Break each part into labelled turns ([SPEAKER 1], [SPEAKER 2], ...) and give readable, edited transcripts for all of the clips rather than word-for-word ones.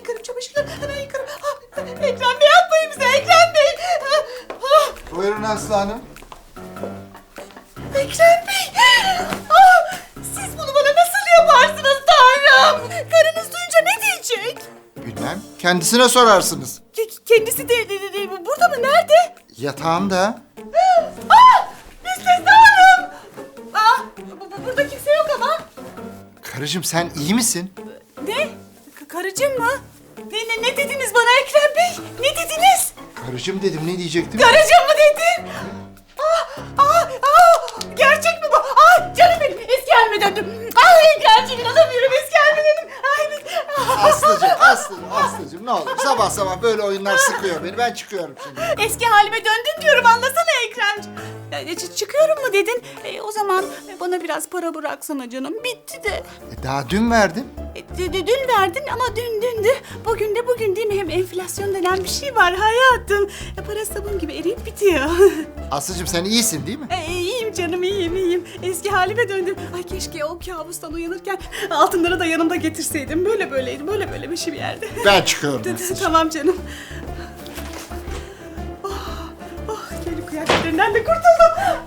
[SPEAKER 1] yıkarım çamaşırları, hemen yıkarım. Ekrem Bey yapmayın bize, Ekrem Bey.
[SPEAKER 2] Buyurun Aslı Hanım.
[SPEAKER 1] Ekrem Bey. Siz bunu bana nasıl yaparsınız Tanrım? Karınız duyunca ne diyecek?
[SPEAKER 2] Bilmem. Kendisine sorarsınız.
[SPEAKER 1] Kendisi de burada mı? Nerede?
[SPEAKER 2] Yatağında.
[SPEAKER 1] Müstesna Hanım. Burada kimse yok ama.
[SPEAKER 2] Karıcığım sen iyi misin?
[SPEAKER 1] Ne? Karıcığım mı? Ne dediniz bana Ekrem Bey? Ne dediniz?
[SPEAKER 2] Karıcığım dedim, ne diyecektim?
[SPEAKER 1] Karıcığım mı dedin? Gerçek mi bu? Canım benim, eski halime döndüm. Ekremciğim, inanamıyorum, eski halime döndüm.
[SPEAKER 2] Aslıcığım ne olur. Sabah sabah böyle oyunlar sıkıyor beni. Ben çıkıyorum şimdi.
[SPEAKER 1] Eski halime döndüm diyorum, anlasana Ekremciğim. Çıkıyorum mu dedin? O zaman bana biraz para bıraksana canım, bitti de.
[SPEAKER 2] Daha dün verdim.
[SPEAKER 1] Dün verdin ama dündü. Bugün de bugün değil mi? Hem enflasyon denen bir şey var hayatım. Para sabun gibi eriyip bitiyor.
[SPEAKER 2] Aslıcığım sen iyisin değil mi?
[SPEAKER 1] İyiyim canım, iyiyim. Eski halime döndüm. Ay keşke o kabustan uyanırken altınları da yanımda getirseydim. Böyleydi, böyle bir şey bir yerde.
[SPEAKER 2] Ben çıkıyorum Aslıcığım.
[SPEAKER 1] Tamam canım. Kendi kıyafetlerinden de kurtuldum.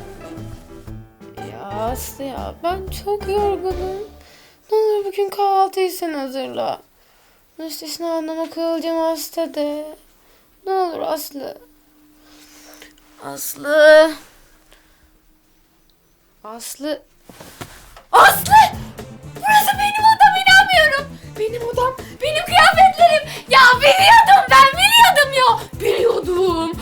[SPEAKER 3] Ya Aslı ya, ben çok yorgunum. Ne olur bugün kahvaltıyı sen hazırla. Müstesna anlama kılacağım hasta de. Ne olur Aslı. Aslı. Aslı. Aslı! Burası benim odam, inanmıyorum. Benim odam, benim kıyafetlerim. Ya biliyordum ya. Biliyordum.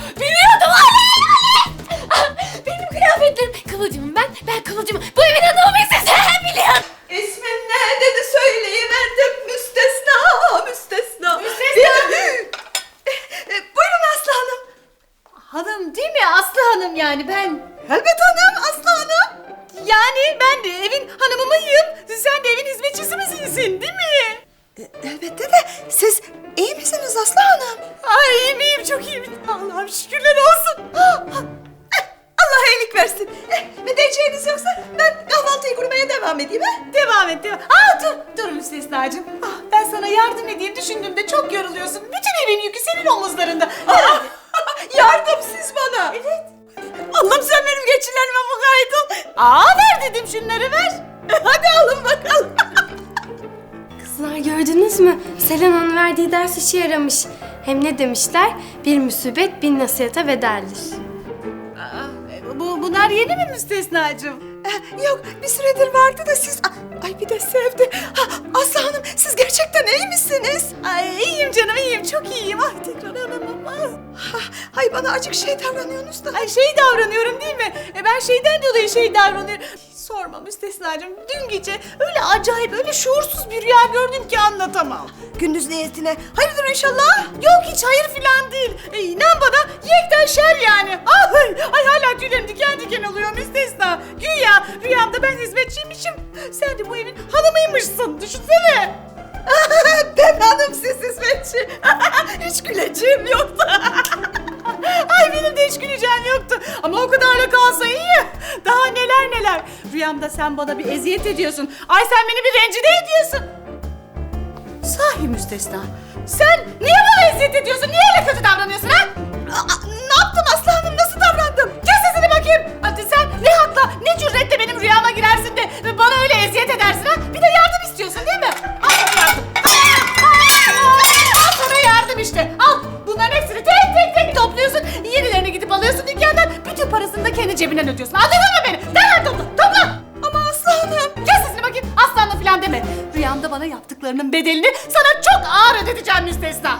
[SPEAKER 3] Benim kıyafetlerim. Kıvılcımım ben Kıvılcımım. Bu evin adamı siz biliyorum.
[SPEAKER 1] İsmin ne dedi söyleyiverdim. Müstesna. Buyurun Aslı Hanım. Hanım değil mi? Aslı Hanım yani ben. Elbet hanım, Aslı Hanım. Yani ben de evin hanımı mıyım? Sen de evin hizmetçisi misin değil mi? Elbette de siz iyi misiniz Aslı Hanım? Ay iyiyim, çok iyiyim. Allah'ım şükürler olsun. Allah iyilik versin. Ne diyeceğiniz yoksa ben kahvaltıyı kurmaya devam edeyim ha? Devam et. Dur Müstesnacığım. Ben sana yardım edeyim düşündüğümde çok yoruluyorsun. Bütün evin yükü senin omuzlarında. Yardım siz bana. Evet. Allah'ım sen benim geçilerime mukayyet ol. Ver dedim, şunları ver. Hadi alın bakalım.
[SPEAKER 3] Kızlar gördünüz mü? Selena'nın verdiği ders işe yaramış. Hem ne demişler? Bir musibet bin nasihata bedeldir.
[SPEAKER 1] Bunlar yeni mi Müstesnacığım? Yok, bir süredir vardı da siz... Ay bir de sevdi. Aslı Hanım, siz gerçekten iyi misiniz? Ay iyiyim canım, iyiyim. Çok iyiyim. Ay tekrar hanımım. Ay bana acık şey davranıyorsunuz da. Ay şey davranıyorum değil mi? Ben şeyden dolayı şey davranıyorum. Sorma Müstesnacığım. Dün gece öyle acayip, öyle şuursuz bir rüya gördüm ki anlatamam. Gündüz niyetine. Hayırdır inşallah? Yok hiç hayır filan değil. İnan bana yekten şer yani. Ay hala tüylerim diken diken oluyor Müstesna. Güya rüyamda ben hizmetçiymişim. Sen de bu evin hanımıymışsın. Düşünsene. Ben hanım, siz hizmetçi. Hiç güleceğim yoktu. Ay benim de hiç güleceğim yoktu. Ama o kadarla kalsa iyi. Daha neler. Rüyamda sen bana bir eziyet ediyorsun. Ay sen beni bir rencide ediyorsun. Sahi Müstesna. Sen niye bana eziyet ediyorsun? Niye öyle kötü davranıyorsun ha? Ne yaptım Aslı Hanım? Nasıl davrandım? Kes sesini bakayım. Hadi sen ne hakla, ne cüretle benim rüyama girersin de bana öyle eziyet edersin ha? Bir de yardım istiyorsun değil mi? Al sana yardım. Al sana yardım işte. Al. Bunların hepsini tek topluyorsun. Yenilerini gidip alıyorsun dükkandan. Bütün parasını da kendi cebinden ödüyorsun. Anladın mı beni? Derhal topla. Ama Aslı Hanım. Kes sesini bakayım. Aslı Hanım falan deme. Rüyamda bana yaptıklarının bedelini sana çok ağır ödeteceğim Müstesna.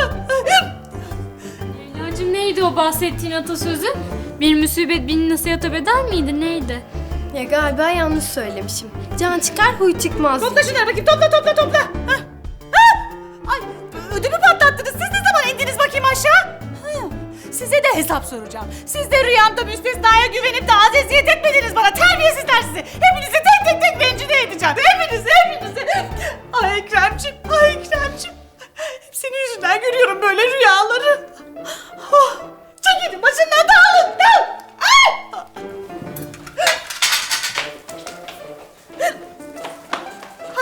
[SPEAKER 4] Leyla'cığım neydi o bahsettiğin atasözü? Bir musibet bin nasihata bedel miydi, neydi?
[SPEAKER 3] Ya galiba yanlış söylemişim. Can çıkar huy çıkmaz.
[SPEAKER 1] Topla şunları bakayım. Topla. Ay ödümü patlattınız. Siz ne zaman indiniz bakayım aşağı? Size de hesap soracağım. Siz de rüyamda Müstesna'ya güvenip de az eziyet etmediniz bana. Terbiyesizler sizi. Hepinizi tek rencide edeceğim. Hepinizi.